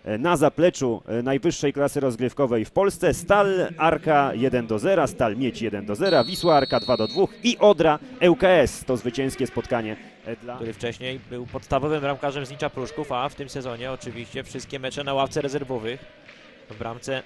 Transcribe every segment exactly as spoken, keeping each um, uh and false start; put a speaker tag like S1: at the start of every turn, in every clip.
S1: na zapleczu najwyższej klasy rozgrywkowej w Polsce. Stal Arka jeden do zera, Stal Miedź jeden do zera, Wisła Arka dwa do dwóch i Odra L K S. To zwycięskie spotkanie dla...
S2: który wcześniej był podstawowym bramkarzem Znicza Pruszków, a w tym sezonie oczywiście wszystkie mecze na ławce rezerwowych. W bramce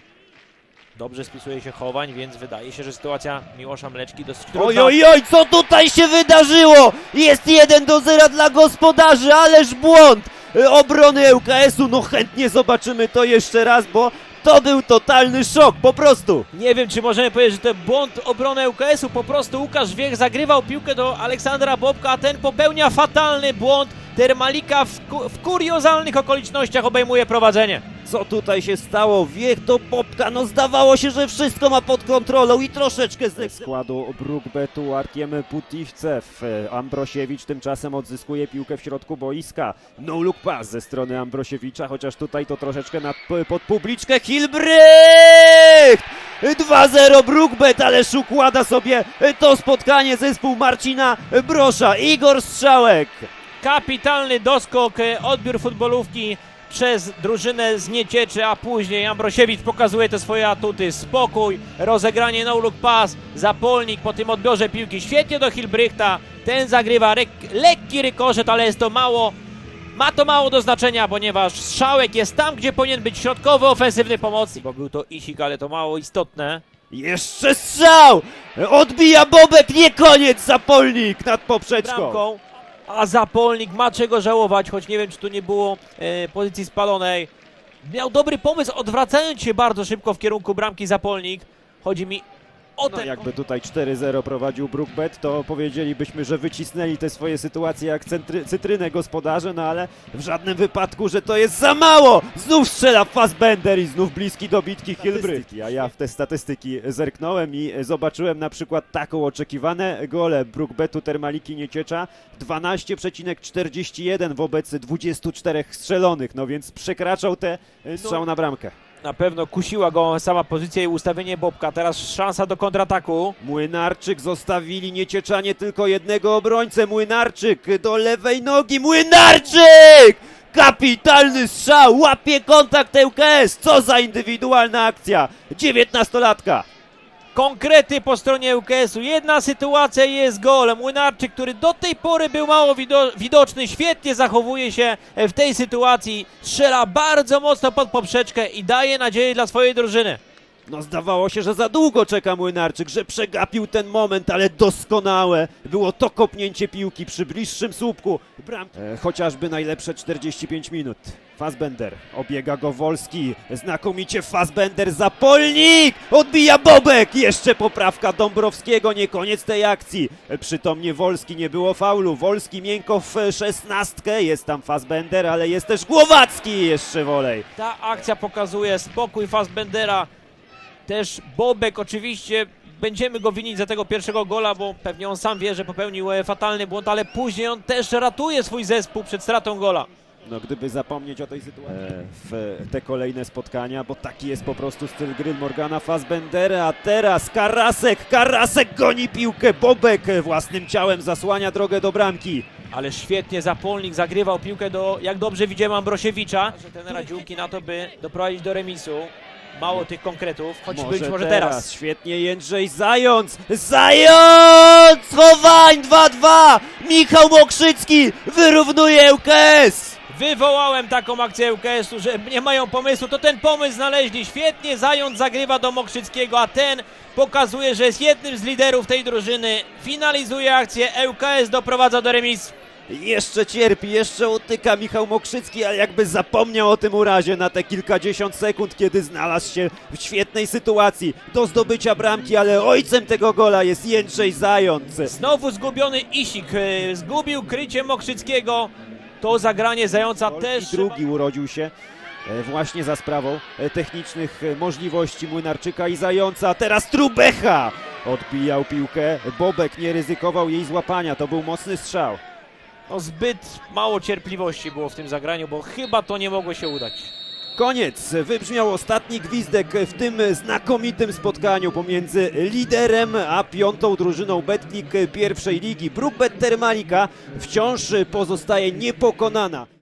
S2: dobrze spisuje się Chowań, więc wydaje się, że sytuacja Miłosza Mleczki dosyć trudna.
S3: Oj, oj, oj, co tutaj się wydarzyło? Jest jeden do zera dla gospodarzy, ależ błąd obrony L K S-u. No chętnie zobaczymy to jeszcze raz, bo to był totalny szok, po prostu.
S2: Nie wiem, czy możemy powiedzieć, że to błąd obrony L K S-u. Po prostu Łukasz Wiech zagrywał piłkę do Aleksandra Bobka, a ten popełnia fatalny błąd. Termalika w, ku w kuriozalnych okolicznościach obejmuje prowadzenie.
S3: Co tutaj się stało? Wiech do Bobka, no zdawało się, że wszystko ma pod kontrolą i troszeczkę ze
S1: składu Brukbetu Arkiem Putivcew. Ambrosiewicz tymczasem odzyskuje piłkę w środku boiska. No look pass ze strony Ambrosiewicza, chociaż tutaj to troszeczkę nad, pod publiczkę.
S3: Hilbrecht! dwa zero Brukbet, ależ układa sobie to spotkanie zespół Marcina Brosza. Igor Strzałek.
S2: Kapitalny doskok, odbiór futbolówki przez drużynę z Niecieczy, a później Ambrosiewicz pokazuje te swoje atuty. Spokój, rozegranie no look pass, Zapolnik po tym odbiorze piłki świetnie do Hilbrechta. Ten zagrywa lekki rykoszet, ale jest to mało, ma to mało do znaczenia, ponieważ Strzałek jest tam, gdzie powinien być środkowy, ofensywny pomocnik. Bo był to Isik, ale to mało istotne.
S3: Jeszcze strzał! Odbija Bobek, nie koniec, Zapolnik nad poprzeczką.
S2: Bramką. A Zapolnik ma czego żałować, choć nie wiem, czy tu nie było e, pozycji spalonej. Miał dobry pomysł, odwracając się bardzo szybko w kierunku bramki Zapolnik. Chodzi mi o
S1: No,
S2: ten...
S1: jakby tutaj cztery zero prowadził Brukbet, to powiedzielibyśmy, że wycisnęli te swoje sytuacje jak centry, cytrynę gospodarze, no ale w żadnym wypadku, że to jest za mało!
S3: Znów strzela Fassbender i znów bliski do bitki Hilbrecht.
S1: A ja w te statystyki zerknąłem i zobaczyłem na przykład taką oczekiwane gole Brukbetu Termaliki Nieciecza dwanaście przecinek czterdzieści jeden wobec dwudziestu czterech strzelonych, no więc przekraczał te strzał na bramkę.
S2: Na pewno kusiła go sama pozycja i ustawienie Bobka. Teraz szansa do kontrataku.
S3: Młynarczyk, zostawili Niecieczanie tylko jednego obrońcę. Młynarczyk do lewej nogi. Młynarczyk! Kapitalny strzał, łapie kontakt L K S. Co za indywidualna akcja. dziewiętnastolatka.
S2: Konkrety po stronie L K S-u. Jedna sytuacja i jest gol. Młynarczyk, który do tej pory był mało wido widoczny, świetnie zachowuje się w tej sytuacji. Strzela bardzo mocno pod poprzeczkę i daje nadzieję dla swojej drużyny.
S3: No zdawało się, że za długo czeka Młynarczyk, że przegapił ten moment, ale doskonałe było to kopnięcie piłki przy bliższym słupku. Bram...
S1: E, chociażby najlepsze czterdzieści pięć minut. Fassbender, obiega go Wolski,
S3: Znakomicie Fassbender, Zapolnik! Odbija Bobek! Jeszcze poprawka Dąbrowskiego, nie koniec tej akcji.
S1: przytomnie Wolski, nie było faulu. Wolski miękko w szesnastkę, jest tam Fassbender, ale jest też Głowacki jeszcze wolej.
S2: Ta akcja pokazuje spokój Fassbendera. Też Bobek oczywiście, będziemy go winić za tego pierwszego gola, bo pewnie on sam wie, że popełnił fatalny błąd, ale później on też ratuje swój zespół przed stratą gola.
S1: No gdyby zapomnieć o tej sytuacji e, w te kolejne spotkania, bo taki jest po prostu styl gry Morgana Fassbendera, a teraz Karasek, Karasek goni piłkę, Bobek własnym ciałem zasłania drogę do bramki.
S2: Ale świetnie Zapolnik zagrywał piłkę do, jak dobrze widziałem, Ambrosiewicza. Że ten radziłki na to, by doprowadzić do remisu. Mało tych konkretów, choć
S1: Może
S2: być może
S1: teraz.
S2: teraz.
S1: Świetnie Jędrzej Zając.
S3: Zając! Chowań dwa dwa! Michał Mokrzycki wyrównuje L K S!
S2: Wywołałem taką akcję L K S-u, że nie mają pomysłu, to ten pomysł znaleźli. Świetnie Zając zagrywa do Mokrzyckiego, a ten pokazuje, że jest jednym z liderów tej drużyny. Finalizuje akcję, L K S doprowadza do remisu.
S3: Jeszcze cierpi, jeszcze utyka Michał Mokrzycki, ale jakby zapomniał o tym urazie na te kilkadziesiąt sekund, kiedy znalazł się w świetnej sytuacji do zdobycia bramki, ale ojcem tego gola jest Jędrzej Zając.
S2: Znowu zgubiony Isik, e, zgubił krycie Mokrzyckiego. To zagranie Zająca też...
S1: Drugi urodził się e, właśnie za sprawą e, technicznych e, możliwości Młynarczyka i Zająca.
S3: Teraz Trubecha!
S1: Odbijał piłkę, Bobek nie ryzykował jej złapania, to był mocny strzał.
S2: No zbyt mało cierpliwości było w tym zagraniu, bo chyba to nie mogło się udać.
S1: Koniec, wybrzmiał ostatni gwizdek w tym znakomitym spotkaniu pomiędzy liderem a piątą drużyną Betclic pierwszej ligi. Brukbet Termalika wciąż pozostaje niepokonana.